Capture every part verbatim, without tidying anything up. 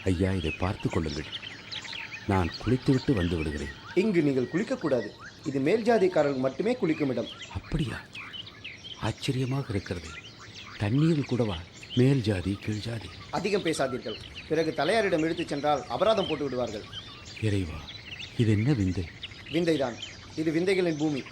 ஐயா, இதை பார்த்து கொள்ளுங்கள். நான் குளித்துவிட்டு வந்து விடுகிறேன். இங்கு நீங்கள் குளிக்கக்கூடாது. இது மேல் ஜாதிக்காரர்கள் மட்டுமே குளிக்கும் இடம். அப்படியா? ஆச்சரியமாக இருக்கிறது. தண்ணீரில் கூடவா மேல் ஜாதி கீழ் ஜாதி? அதிகம் பேசாதீர்கள். பிறகு தலையாரிடம் எடுத்துச் சென்றால் அபராதம் போட்டு விடுவார்கள். இறைவா, இது என்ன விந்தை? விந்தைதான். இது விந்தைகளின் பூமி.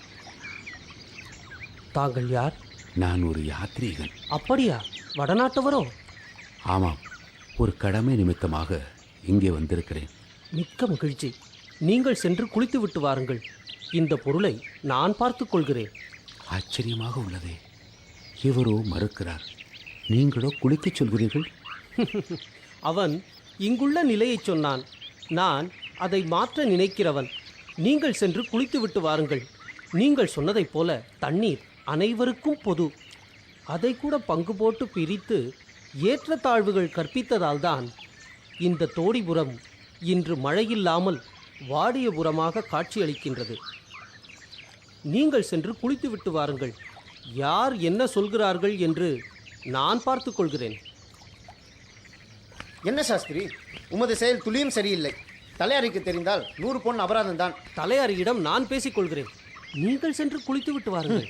தாங்கள் யார்? நான் ஒரு யாத்ரீகன். அப்படியா? வடநாட்டவரோ? ஆமாம், ஒரு கடமை நிமித்தமாக இங்கே வந்திருக்கிறேன். மிக்க மகிழ்ச்சி. நீங்கள் சென்று குளித்து விட்டு வாருங்கள். இந்த பொருளை நான் பார்த்துக் கொள்கிறேன். ஆச்சரியமாக உள்ளதே. இவரோ மறுக்கிறார், நீங்களோ குளிக்கச் சொல்கிறீர்கள். அவன் இங்குள்ள நிலையை சொன்னான். நான் அதை மாற்ற நினைக்கிறவன். நீங்கள் சென்று குளித்து விட்டு வாருங்கள். நீங்கள் சொன்னதைப் போல தண்ணீர் அனைவருக்கும் பொது. அதை கூட பங்கு போட்டு பிரித்து ஏற்றத்தாழ்வுகள் கற்பித்ததால்தான் இந்த தோடிபுரம் இன்று மழையில்லாமல் வாடியபுரமாக காட்சியளிக்கின்றது. நீங்கள் சென்று குளித்து விட்டு வாருங்கள். யார் என்ன சொல்கிறார்கள் என்று நான் பார்த்து கொள்கிறேன். என்ன சாஸ்திரி, உமது செயல் துளியும் சரியில்லை. தலையாரிக்கு தெரிந்தால் நூறு பொன் அபராதம் தான். தலையாரியிடம் நான் பேசிக் கொள்கிறேன். நீங்கள் சென்று குளித்து விட்டு வாருங்கள்.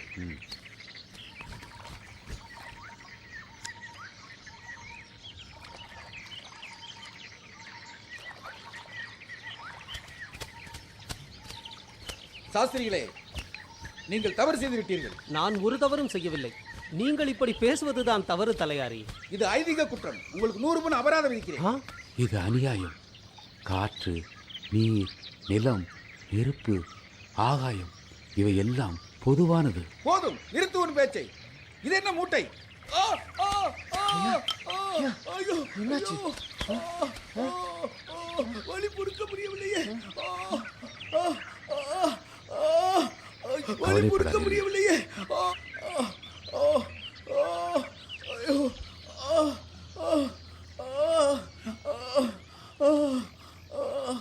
சாஸ்திரிகளே, நீங்கள் தவறு செய்து விட்டீர்கள். நான் ஒரு தவறும் செய்யவில்லை. நீங்கள் இப்படி பேசுவதுதான் தவறு தலையாரி. இது ஐதீக குற்றம். உங்களுக்கு நூறு பொன் அபராதம் விதிக்கிறேன். ஆ? இது அநியாயம். காற்று, நீர், நிலம், நெருப்பு, ஆகாயம் இவை எல்லாம் பொதுவானது. போதும், நிறுத்து உன் பேச்சை. இது என்ன மூட்டை? ஆ, ஆ, ஆ, ஆ, ஐயோ, என்னாச்சு? ஐயோ, ஆ, ஆ, வலி பொறுக்க முடியவில்லையே. ஆ, ஆ, ஆ, ஆ, வலி பொறுக்க முடியவில்லையே. ஆ, ஆ, ஆ, ஆ, ஐயோ, ஆ, ஆ, ஆ, ஆ, ஆ,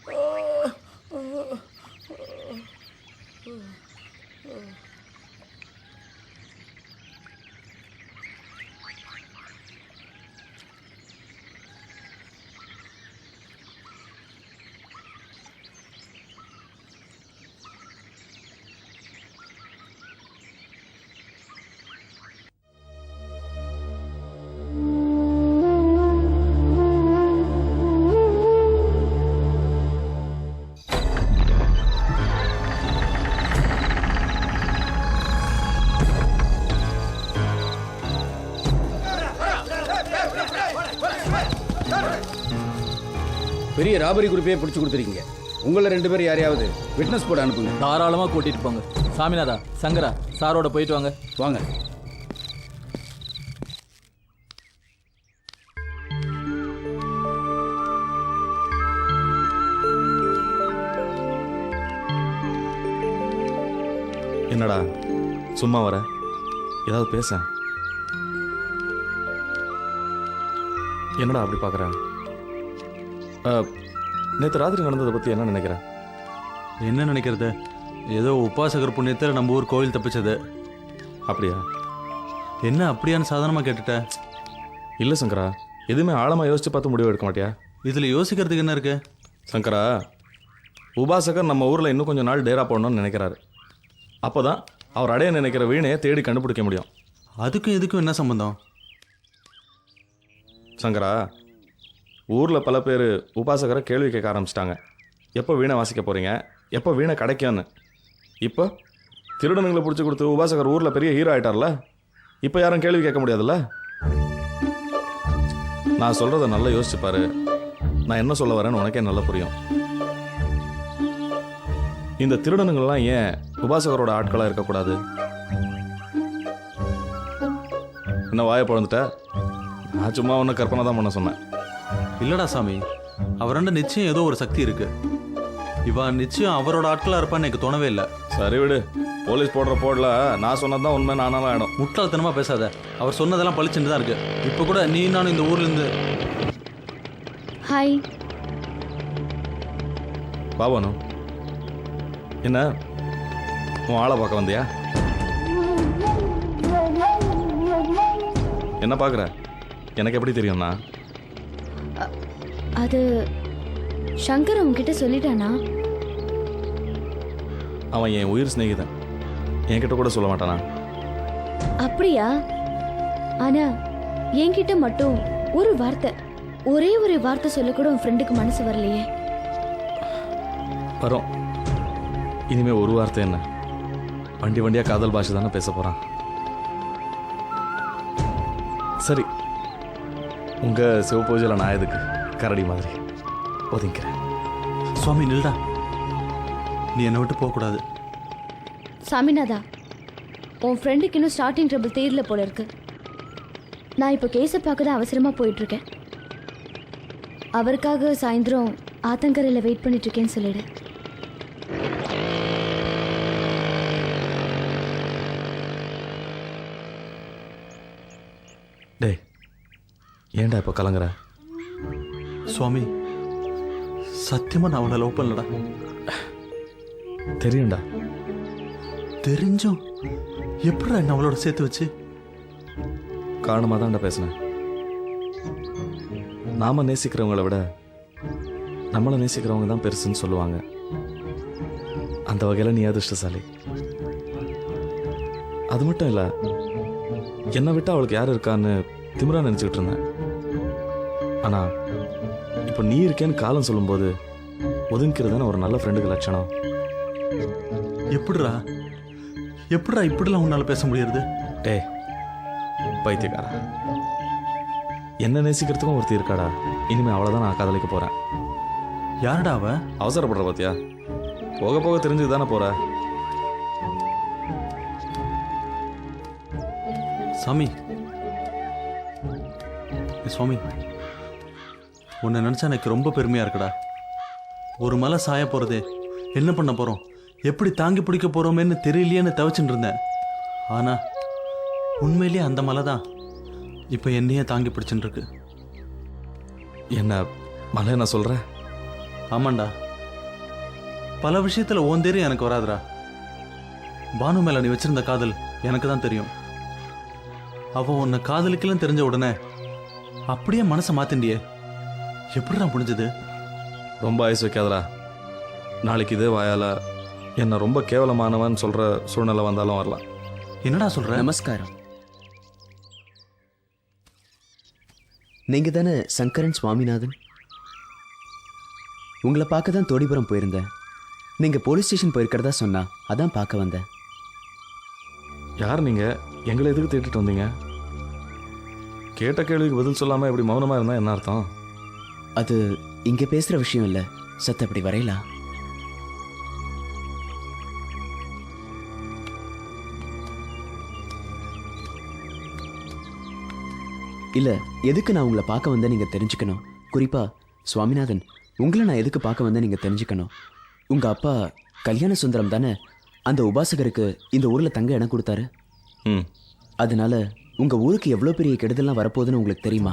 பெரிய ராபரி குரூப்பே பிடிச்சி கொடுத்துருக்கீங்க. உங்களை ரெண்டு பேரும் யாரையாவது விட்னஸ் போட அனுப்புங்க. தாராளமாக கூட்டிட்டு போங்க. சாமிநாதா, சங்கரா, சாரோட போயிட்டு வாங்க. வாங்க. என்னடா சும்மா வர? ஏதாவது பேச. என்னடா அப்படி பார்க்குற? நேற்று ராத்திரி நடந்ததை பற்றி என்ன நினைக்கிற? என்ன நினைக்கிறது? ஏதோ உபாசகர் புண்ணியத்தில் நம்ம ஊர் கோவில் தப்பிச்சது. அப்படியா? என்ன அப்படியான்னு சாதாரணமாக கேட்டுட்ட? இல்லை சங்கரா, எதுவுமே ஆழமாக யோசித்து பார்த்து முடிவு எடுக்க மாட்டியா? இதில் யோசிக்கிறதுக்கு என்ன இருக்கு? சங்கரா, உபாசகர் நம்ம ஊரில் இன்னும் கொஞ்சம் நாள் டேரா போடணும்னு நினைக்கிறாரு. அப்போ தான் அவர் அடைய நினைக்கிற வீணையை தேடி கண்டுபிடிக்க முடியும். அதுக்கும் இதுக்கும் என்ன சம்பந்தம்? சங்கரா, ஊரில் பல பேர் உபாசகரை கேள்வி கேட்க ஆரம்பிச்சிட்டாங்க. எப்போ வீணை வாசிக்க போகிறீங்க, எப்போ வீணை கிடைக்கும்னு. இப்போ திருடனுங்களை பிடிச்சி கொடுத்து உபாசகர் ஊரில் பெரிய ஹீரோ ஆகிட்டார்ல. இப்போ யாரும் கேள்வி கேட்க முடியாதுல்ல. நான் சொல்கிறத நல்லா யோசிச்சுப்பாரு. நான் என்ன சொல்ல வரேன்னு உனக்கே நல்லா புரியும். இந்த திருடனுங்கள்லாம் ஏன் உபாசகரோட ஆட்களாக இருக்கக்கூடாது? என்ன வாயை பிறந்துட்ட? நான் சும்மா ஒன்று கற்பனை தான் பண்ண சொன்னேன். இல்லடா சாமி, அவராண்ட நிச்சயம் ஏதோ ஒரு சக்தி இருக்கு. இவன் நிச்சயம் அவரோட ஆட்களாக இருப்பான்னு எனக்கு தோணவே இல்லை. சரி விடு, போலீஸ் போடுற போடல நான் சொன்னதான் உண்மை நானாலும் ஆயிடும். முட்டாள்தனமாக பேசாத. அவர் சொன்னதெல்லாம் பளிச்சுட்டு தான் இருக்கு. இப்போ கூட நீ நானும் இந்த ஊர்லேருந்து. ஹாய் பாபானு, என்ன உன் ஆளை பார்க்க வந்தியா? என்ன பார்க்குற? எனக்கு எப்படி தெரியும்னா? அது சங்கர் உன்கிட்ட சொல்லிட்டானா? அவன் என் உயிர் சிநேகிதன், என்கிட்ட கூட சொல்ல மாட்டானா? அப்படியா? ஆனா என்கிட்ட மட்டும் ஒரு வார்த்தை, ஒரே ஒரு வார்த்தை சொல்ல கூட உன் ஃப்ரெண்டுக்கு மனசு வரலையே. வரும். இனிமே ஒரு வார்த்தை என்ன, வண்டி வண்டியா காதல் பாஷை தானே பேச போறான். சரி, உங்க சிவபூஜையில் நான் எதுக்கு கரடி மாதிரி ஒதுங்கிறேன். சுவாமி நில்டா, நீ என்னை விட்டு போகக்கூடாது. சாமிநாதா, உன் ஃப்ரெண்டுக்கு இன்னும் ஸ்டார்டிங் ட்ரபிள் தேர்ல போல இருக்கு. நான் இப்போ கேஸை பார்க்க தான் அவசரமா போயிட்டு இருக்கேன். அவருக்காக சாயந்தரம் ஆத்தங்கரையில் வெயிட் பண்ணிட்டு இருக்கேன்னு சொல்லிடு. டேய், ஏன்டா இப்போ கலங்குற? சுவாமி சத்தியமா நான் அவளை லவ் பண்ணலடா. தெரியும்டா. தெரிஞ்சும் எப்படிடா என்ன அவளோட சேர்த்து வச்சு? காரணமாக தான்டா பேசினேன். நாம நேசிக்கிறவங்கள விட நம்மளை நேசிக்கிறவங்க தான் பெருசுன்னு சொல்லுவாங்க. அந்த வகையில் நீ அதிர்ஷ்டசாலி. அது மட்டும் இல்லை, என்னை விட்டு அவளுக்கு யார் இருக்கான்னு திமிரா நினச்சிக்கிட்டு இருந்தேன். ஆனால் இப்போ நீ இருக்கேன்னு காலம் சொல்லும்போது ஒதுங்கிறது தானே ஒரு நல்ல ஃப்ரெண்டுக்கு லட்சணம். எப்படிடா எப்படிடா இப்படிலாம் உன்னால பேச முடியாது? டேய் பைத்தியக்காரா, என்ன நேசிக்கிறதுக்கும் ஒருத்தி இருக்காடா. இனிமே அவளை தான் நான் காதலிக்க போகிறேன். யாருடா அவ? அவசரப்படுற பாத்தியா? போக போக தெரிஞ்சுக்கு தானே போற. சாமி சுவாமி, உன்னை நினச்சா எனக்கு ரொம்ப பெருமையாக இருக்குடா. ஒரு மலை சாய போகிறதே, என்ன பண்ண போகிறோம், எப்படி தாங்கி பிடிக்க போகிறோமேன்னு தெரியலையேன்னு தவிச்சுட்டு இருந்தேன். ஆனால் உண்மையிலேயே அந்த மலை தான் இப்போ என்னையே தாங்கி பிடிச்சுட்டு இருக்கு. என்ன மலை நான் சொல்கிறேன்? ஆமாண்டா, பல விஷயத்தில் ஓன் தெரியும் எனக்கு வராதுடா. பானு மேலே நீ வச்சிருந்த காதல் எனக்கு தான் தெரியும். அவள் உன்னை காதலிக்கலாம் தெரிஞ்ச உடனே அப்படியே மனசை மாத்திண்டியே, எப்படிடா முடிஞ்சது? ரொம்ப ஆயுசு வைக்காதடா. நாளைக்கு இதே வாயால் என்னை ரொம்ப கேவலமானவன் சொல்கிற சூழ்நிலை வந்தாலும் வரலாம். என்னடா சொல்ற? நமஸ்காரம். நீங்க தானே சங்கரன் சுவாமிநாதன்? உங்களை பார்க்க தான் தோடிபுரம் போயிருந்தேன். நீங்க போலீஸ் ஸ்டேஷன் போயிருக்கிறதா சொன்னா, அதான் பார்க்க வந்தேன். யார் நீங்கள்? எங்களை எதுக்கு தேடிட்டு வந்தீங்க? கேட்ட கேள்விக்கு பதில் சொல்லாமல் இப்படி மௌனமாக இருந்தால் என்ன அர்த்தம்? அது இங்க பேசுற விஷயம் இல்ல. சத்த அப்படி வரையலாம். இல்ல, எதுக்கு நான் உங்களை பார்க்க வந்தேன் நீங்க தெரிஞ்சுக்கணும். குறிப்பா சுவாமிநாதன், உங்களை நான் எதுக்கு பார்க்க வந்தேன் நீங்க தெரிஞ்சுக்கணும். உங்க அப்பா கல்யாண சுந்தரம் தானே அந்த உபாசகருக்கு இந்த ஊர்ல தங்க இடம் கொடுத்தாரு. ம், அதனால உங்க ஊருக்கு எவ்வளவு பெரிய கெடுதல்லாம் வரப்போகுதுன்னு உங்களுக்கு தெரியுமா?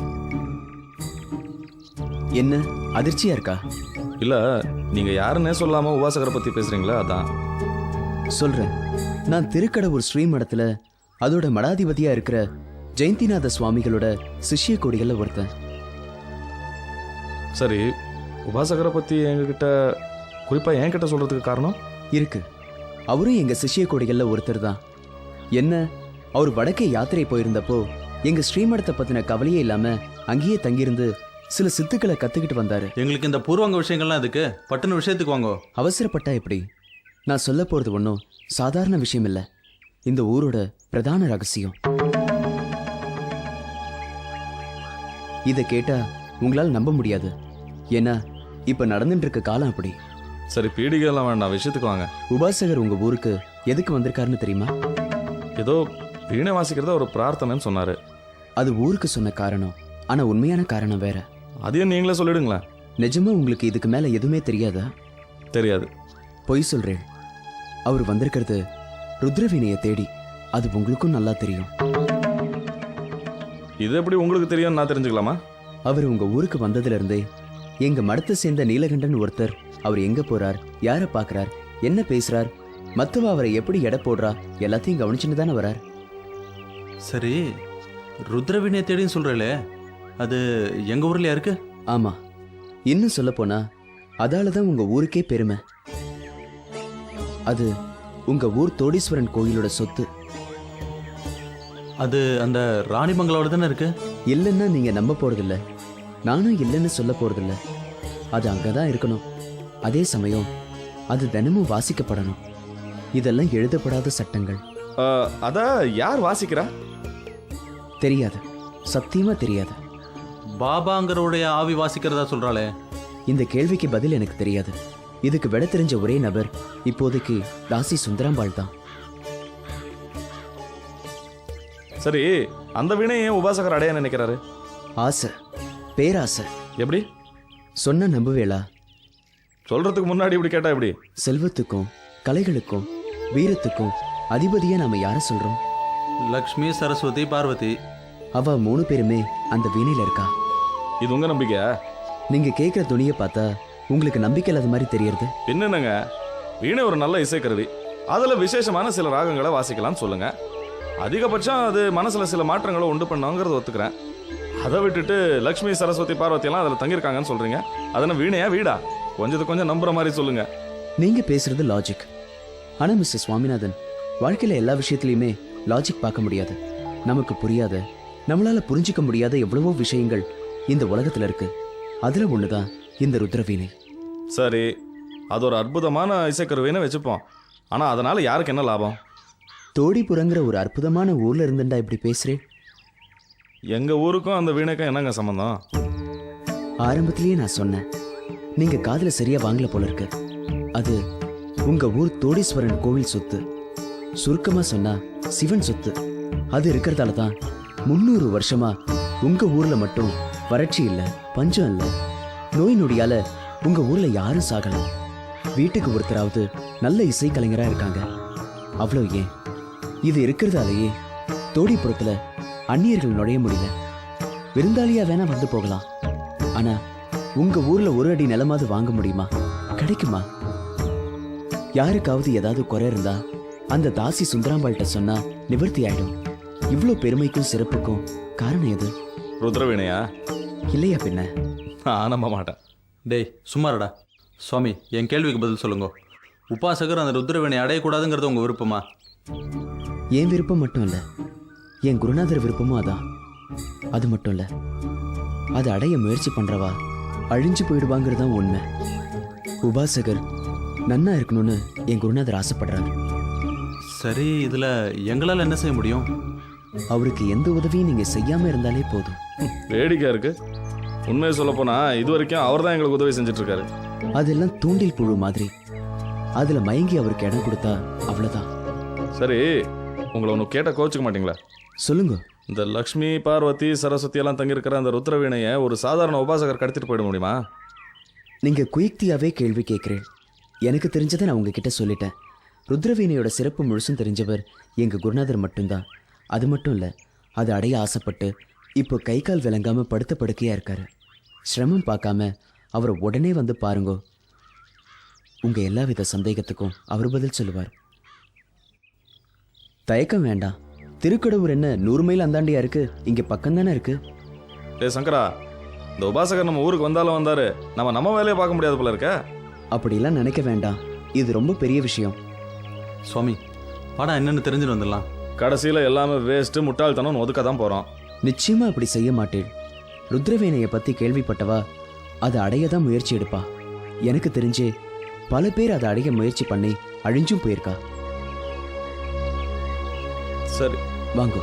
என்ன அதிர்ச்சியா இருக்கா? இல்லை, நீங்கள் யாருன்னே சொல்லாமல் உபாசகரை பற்றி பேசுகிறீங்களா, அதான் சொல்றேன். நான் திருக்கடவுர் ஸ்ரீமடத்துல அதோட மடாதிபதியா இருக்கிற ஜெயந்திநாத சுவாமிகளோட சிஷ்ய கொடிகள்ல ஒருத்தன். சரி, உபாசகரை பற்றி எங்ககிட்ட குறிப்பாக என்கிட்ட சொல்கிறதுக்கு காரணம் இருக்கு. அவரும் எங்க சிஷ்ய கொடிகள்ல ஒருத்தர் தான். என்ன, அவர் வடக்கே யாத்திரை போயிருந்தப்போ எங்க ஸ்ரீமடத்தை பத்தின கவலையே இல்லாம அங்கேயே தங்கியிருந்து சில சித்துக்களை கத்துக்கிட்டு வந்தாரு. எங்களுக்கு இந்த பூர்வாங்க விஷயங்கள்லாம் எதுக்கு? பட்டுன்னு விஷயத்துக்கு வாங்கோ. அவசரப்பட்டா எப்படி? நான் சொல்ல போறது ஒன்றும் சாதாரண விஷயம் இல்லை. இந்த ஊரோட பிரதான ரகசியம். இதை கேட்டா உங்களால் நம்ப முடியாது. ஏன்னா இப்ப நடந்துட்டு இருக்க காலம் அப்படி. சரி, பீடிகைலாம் வேண்டாம், விஷயத்துக்கு வாங்க. உபாசகர் உங்க ஊருக்கு எதுக்கு வந்திருக்காருன்னு தெரியுமா? ஏதோ வீணை வாசிக்கிறத ஒரு பிரார்த்தனைன்னு சொன்னார். அது ஊருக்கு சொன்ன காரணம், ஆனா உண்மையான காரணம் வேற. அதையும் நீங்களே சொல்லிடுங்களேன். நிஜமா உங்களுக்கு இதுக்கு மேல எதுவுமே தெரியாதா? தெரியாது. பொய் சொல்றேன். அவர் வந்திருக்கிறது ருத்ரவீணையை தேடி. அது உங்களுக்கும் நல்லா தெரியும். இது எப்படி உங்களுக்கு தெரியும், நான் தெரிஞ்சுக்கலாமா? அவர் உங்க ஊருக்கு வந்ததுல இருந்தே எங்க மடத்தை சேர்ந்த நீலகண்டன் ஒருத்தர் அவர் எங்க போறார், யாரை பார்க்கறார், என்ன பேசுறார், மத்தவ அவரை எப்படி எடை போடுறா எல்லாத்தையும் கவனிச்சுட்டு தானே வரார். சரி, ருத்ரவீணையை தேடின்னு சொல்றீங்களே, அது எங்க ஊர்லயா இருக்கு? ஆமா, இன்னும் சொல்ல போனா அதால தான் உங்க ஊருக்கே பெருமை. அது உங்க ஊர் தோடீஸ்வரன் கோயிலோட சொத்து. அது அந்த ராணிமங்கலோட தானே இருக்கு. இல்லைன்னா நீங்க நம்ப போறதில்ல, நானும் இல்லைன்னு சொல்ல போறதில்ல. அது அங்கதான் இருக்கணும். அதே சமயம் அது தினமும் வாசிக்கப்படணும். இதெல்லாம் எழுதப்படாத சட்டங்கள். அஹ், அத யார் வாசிக்கிறா? தெரியாது, சத்தியமா தெரியாது. பாபாங்கிறவுடைய ஆவி வாசிக்கிறதா சொல்றாளே. இந்த கேள்விக்கு பதில் எனக்கு தெரியாது. இதுக்கு விட தெரிஞ்ச ஒரே நபர் இப்போதைக்கு தாசி சுந்தராம்பாள் தான். சரி, அந்த வீணையை ஏன் உபாசகர் அடைய நினைக்கிறாரு? ஆசை, பேராசை. எப்படி சொன்ன நம்புவேளா? சொல்றதுக்கு முன்னாடி இப்படி கேட்டா எப்படி? செல்வத்துக்கும் கலைகளுக்கும் வீரத்துக்கும் அதிபதியா நாம யார சொல்றோம்? லக்ஷ்மி, சரஸ்வதி, பார்வதி. அவ மூணு பேருமே அந்த வீணையில இருக்கா. இது உங்க நம்பிக்கை? நீங்க கேட்கிற துணியை பார்த்தா உங்களுக்கு நம்பிக்கை இல்லாத மாதிரி தெரியறது. என்னங்க, வீணை ஒரு நல்ல இசைக்கருவி. அதுல விசேஷமான சில ராகங்களை வாசிக்கலாம்னு சொல்லுங்க. அதிகபட்சம் அது மனசுல சில மாற்றங்களை உண்டு பண்ணாங்கிறத ஒத்துக்கிறேன். அதை விட்டுட்டு லக்ஷ்மி, சரஸ்வதி, பார்வதி எல்லாம் அதுல தங்கியிருக்காங்கன்னு சொல்றீங்க. அதென்ன வீணையா வீடா? கொஞ்சத்துக்கு கொஞ்சம் நம்புற மாதிரி சொல்லுங்க. நீங்க பேசுறது லாஜிக். ஆனா மிஸ்டர் சுவாமிநாதன், வாழ்க்கையில எல்லா விஷயத்திலயுமே லாஜிக் பார்க்க முடியாது. நமக்கு புரியாத, நம்மளால புரிஞ்சிக்க முடியாத எவ்வளவோ விஷயங்கள் இந்த உலகத்துல இருக்கு. அதுல ஒண்ணுதான் இந்த ருத்ரவீணை. சரி, அது ஒரு அற்புதமான இசைக்கருவின்னு வச்சுப்போம். ஆனா அதனால யாருக்கு என்ன லாபம்? தோடிபுரங்கிற ஒரு அற்புதமான ஊர்ல இருந்துட்டா இப்படி பேசுறேன். எங்க ஊருக்கும் அந்த வீணைக்கும் என்னங்க சம்பந்தம்? ஆரம்பத்திலேயே நான் சொன்னேன், நீங்க காதுல சரியா வாங்கல போல இருக்கு. அது உங்க ஊர் தோடீஸ்வரன் கோவில் சொத்து. சுருக்கமா சொன்னா சிவன் சொத்து. அது இருக்கிறதால தான் முன்னூறு வருஷமா உங்க ஊர்ல மட்டும் வறட்சி இல்ல, பஞ்சம் இல்ல, நோய் நொடியால உங்க ஊர்ல யாரும் சாகல. வீட்டுக்கு ஒருத்தராவது நல்ல இசை கலைஞரா இருக்காங்க. அவ்வளவு ஏன், இது இருக்கிறதாலேயே தோடிப்புறத்துல அந்நியர்கள் நுழைய முடியல. விருந்தாளியா வேணா வந்து போகலாம். ஆனா உங்க ஊர்ல ஒரு அடி நிலமாவது வாங்க முடியுமா? கிடைக்குமா? யாருக்காவது ஏதாவது குறை இருந்தா அந்த தாசி சுந்தராம்பாள்கிட்ட சொன்னா நிவர்த்தி ஆயிடும். இவ்வளோ பெருமைக்கும் சிறப்புக்கும் காரணம் எது? ருத்ரவீணையா? இல்லையா பின்ன? நான் நம்ப மாட்டேன். டேய் சும்மாரடா. சுவாமி, என் கேள்விக்கு பதில் சொல்லுங்க. உபாசகர் அந்த ருத்ரவீணை அடையக்கூடாதுங்கிறது உங்க விருப்பமா? என் விருப்பம் மட்டும் இல்ல, என் குருநாதர் விருப்பமும் அதான். அது மட்டும் இல்ல, அதை அடைய முயற்சி பண்றவா அழிஞ்சு போயிடுவாங்கிறது தான் உண்மை. உபாசகர் நன்னா இருக்கணும்னு என் குருநாதர் ஆசைப்படுறாரு. சரி, இதுல எங்களால் என்ன செய்ய முடியும்? அவருக்கு எந்த உதவியும் நீங்க செய்யாம இருந்தாலே போதும். வேடிக்கையா இருக்கு. உண்மையை சொல்ல போனா இது வரைக்கும் அவர் தான் எங்களுக்கு உதவி செஞ்சுட்டு இருக்காரு. அதெல்லாம் தூண்டில் புழு மாதிரி. அதுல மயங்கி அவருக்கு இடம் கொடுத்தா அவ்வளவுதான். சரி, உங்களை ஒன்று கேட்ட கோச்சுக்க மாட்டீங்களா? சொல்லுங்க. இந்த லக்ஷ்மி, பார்வதி, சரஸ்வதி எல்லாம் தங்கியிருக்கிற அந்த ருத்ரவீணையை ஒரு சாதாரண உபாசகர் கடத்திட்டு போயிட முடியுமா? நீங்க குயுக்தியாவே கேள்வி கேட்கிறேன். எனக்கு தெரிஞ்சதை நான் உங்ககிட்ட சொல்லிட்டேன். ருத்ரவீணையோட சிறப்பு முழுசும் தெரிஞ்சவர் எங்க குருநாதர் மட்டும்தான். அது மட்டும் இல்ல, அதை அடைய ஆசைப்பட்டு இப்போ கை கால் விளங்காம படுத்த படுக்கையா இருக்காரு. சிரமம் பார்க்காம அவரை உடனே வந்து பாருங்கோ. உங்க எல்லா வித சந்தேகத்துக்கும் அவர் பதில் சொல்லுவார். தயக்கம் வேண்டாம். திருக்கடவுர் என்ன நூறு மைல் அந்தாண்டியா இருக்கு? இங்க பக்கம் தானே இருக்கு. ஏ சங்கரா, இந்த உபாசகர் நம்ம ஊருக்கு வந்தாலும் வந்தாரு, நம்ம நம்ம வேலையை பார்க்க முடியாது போல இருக்க. அப்படிலாம் நினைக்க வேண்டாம். இது ரொம்ப பெரிய விஷயம். சுவாமி, படம் என்னன்னு தெரிஞ்சுட்டு வந்துடலாம். கடைசியில் எல்லாமே வேஸ்ட்டு, முட்டாள்தனம் ஒதுக்க தான் போகிறோம். நிச்சயமா அப்படி செய்ய மாட்டேன். ருத்ரவீணையை பத்தி கேள்விப்பட்டவா அதை அடைய தான் முயற்சி எடுப்பா. எனக்கு தெரிஞ்சே பல பேர் அதை அடைய முயற்சி பண்ணி அழிஞ்சும் போயிருக்கா. சரி, வாங்கோ.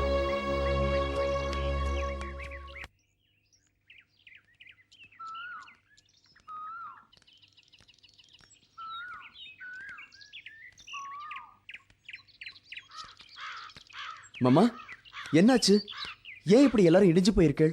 மாமா, என்னாச்சு? ஏன் இப்படி எல்லாரும் இடிஞ்சு போயிருக்கள்?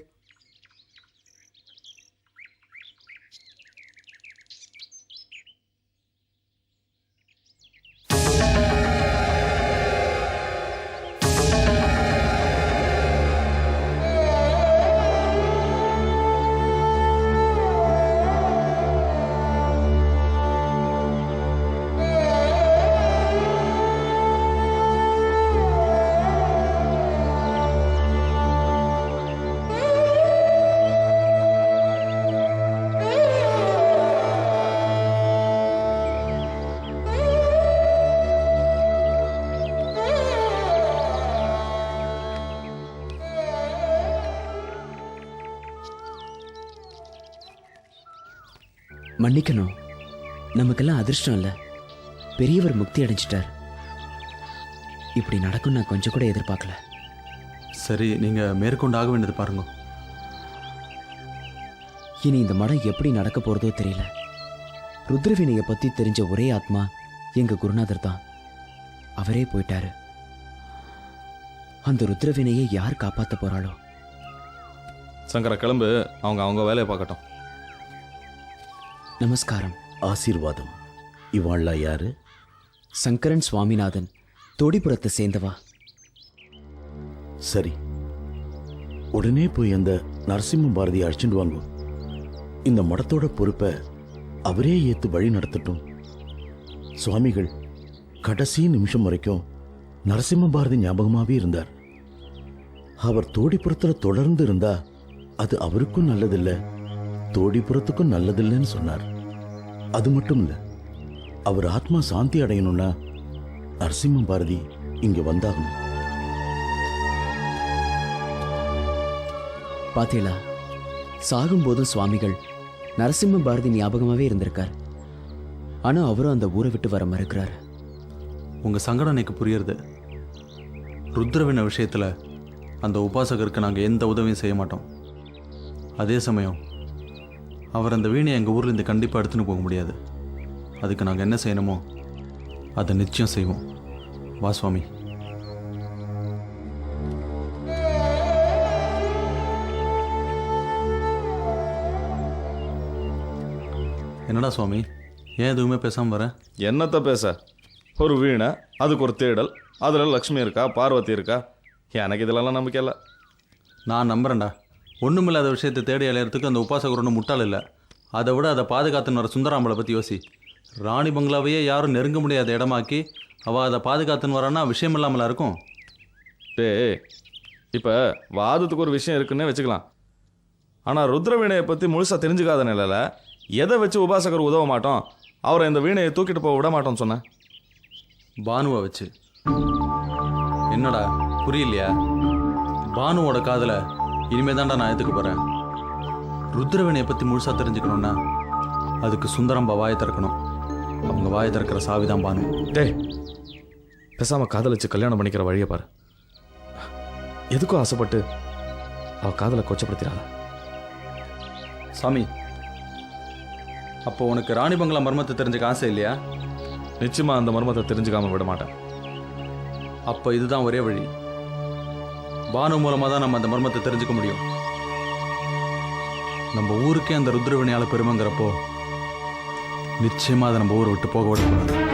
மன்னிக்கணும், நமக்கெல்லாம் அதிர்ஷ்டம் இல்லை. பெரியவர் முக்தி அடைஞ்சிட்டார். இப்படி நடக்கும் நான் கொஞ்சம் கூட எதிர்பார்க்கல. சரி, நீங்கள் மேற்கொண்டு ஆக வேண்டியது பாருங்க. இனி இந்த மடம் எப்படி நடக்க போறதோ தெரியல. ருத்ரவீணையை பத்தி தெரிஞ்ச ஒரே ஆத்மா எங்க குருநாதர் தான். அவரே போயிட்டாரு. அந்த ருத்ரவீணையை யார் காப்பாத்த போறாளோ? சங்கர கிளம்பு, அவங்க அவங்க வேலையை பார்க்கட்டும். நமஸ்காரம். ஆசீர்வாதம். இவாள்லாம் யாரு? சங்கரன் சுவாமிநாதன், தோடிபுரத்தை சேர்ந்தவா. சரி, உடனே போய் அந்த நரசிம்ம பாரதியை அழைச்சிட்டு வாங்க. இந்த மடத்தோட பொறுப்பை அவரே ஏத்து வழி நடத்தட்டும். சுவாமிகள் கடைசி நிமிஷம் வரைக்கும் நரசிம்ம பாரதி ஞாபகமாவே இருந்தார். அவர் தோடிபுரத்துல தொடர்ந்து இருந்தா அது அவருக்கும் நல்லதில்லை, தோடிபுரத்துக்கும் நல்லதில்லைன்னு சொன்னார். அது மட்டும் இல்ல, அவர் ஆத்மா சாந்தி அடையணும்னா நரசிம்ம பாரதி இங்க வந்தாகணும். பாத்தீங்களா, சாகும்போதும் சுவாமிகள் நரசிம்ம பாரதி ஞாபகமாவே இருந்திருக்கார். ஆனா அவரும் அந்த ஊரை விட்டு வர மறுக்கிறார். உங்கள் சங்கடம் எனக்கு புரியுறது. ருத்ரவீணை விஷயத்தில் அந்த உபாசகருக்கு நாங்கள் எந்த உதவியும் செய்ய மாட்டோம். அதே சமயம் அவர் அந்த வீணையை எங்கள் ஊர்லேருந்து கண்டிப்பாக எடுத்துன்னு போக முடியாது. அதுக்கு நாங்கள் என்ன செய்யணுமோ அதை நிச்சயம் செய்வோம். வா சுவாமி. என்னடா சுவாமி, ஏன் எதுவுமே பேசாமல் வரேன்? என்னத்த பேச, ஒரு வீணை, அதுக்கு ஒரு தேடல், அதில் லக்ஷ்மி இருக்கா, பார்வதி இருக்கா, எனக்கு இதெல்லாம் நம்பிக்கை இல்லை. நான் நம்புறேன்டா. ஒன்றுமில்லாத விஷயத்தை தேடி அலையிறதுக்கு அந்த உபாசகர் ஒன்றும் முட்டாள் இல்லை. அதை விட அதை பாதுகாத்துன்னு வர சுந்தராம்பளை பற்றி யோசி. ராணி பங்களாவையே யாரும் நெருங்க முடியாத இடமாக்கி அவள் அதை பாதுகாத்துன்னு வரான்னா விஷயம் இல்லாமலா இருக்கும்? டே, இப்போ வாதத்துக்கு ஒரு விஷயம் இருக்குன்னே வச்சுக்கலாம். ஆனால் ருத்ரவீணையை பற்றி முழுசாக தெரிஞ்சுக்காத நிலையில் எதை வச்சு உபாசகர் உதவ மாட்டோம், அவரை இந்த வீணையை தூக்கிட்டு போக விட மாட்டோம்னு சொன்னேன். பானுவை வச்சு. என்னடா புரியலையா? பானுவோட காதலை இனிமே தான்டா நான் எடுத்துக்க போகிறேன். ருத்ரவீணையை பற்றி முழுசாக தெரிஞ்சுக்கணுன்னா அதுக்கு சுந்தரம்பா வாயை திறக்கணும். அவங்க வாயை திறக்கிற சாவிதான் பானு. டே, பேசாமல் காதலிச்சு கல்யாணம் பண்ணிக்கிற வழியை பாரு. எதுக்கும் ஆசைப்பட்டு அவள் காதலை கொச்சப்படுத்திடாத. சாமி, அப்போ உனக்கு ராணி பங்களா மர்மத்தை தெரிஞ்சுக்க ஆசை இல்லையா? நிச்சயமாக அந்த மர்மத்தை தெரிஞ்சுக்காம விட மாட்டேன். அப்போ இதுதான் ஒரே வழி. பானு மூலமாக தான் நம்ம அந்த மர்மத்தை தெரிஞ்சுக்க முடியும். நம்ம ஊருக்கே அந்த ருத்ரவீணையால் பெருமைங்கிறப்போ நிச்சயமாக அதை நம்ம ஊரை விட்டு போக விடக்கூடாது.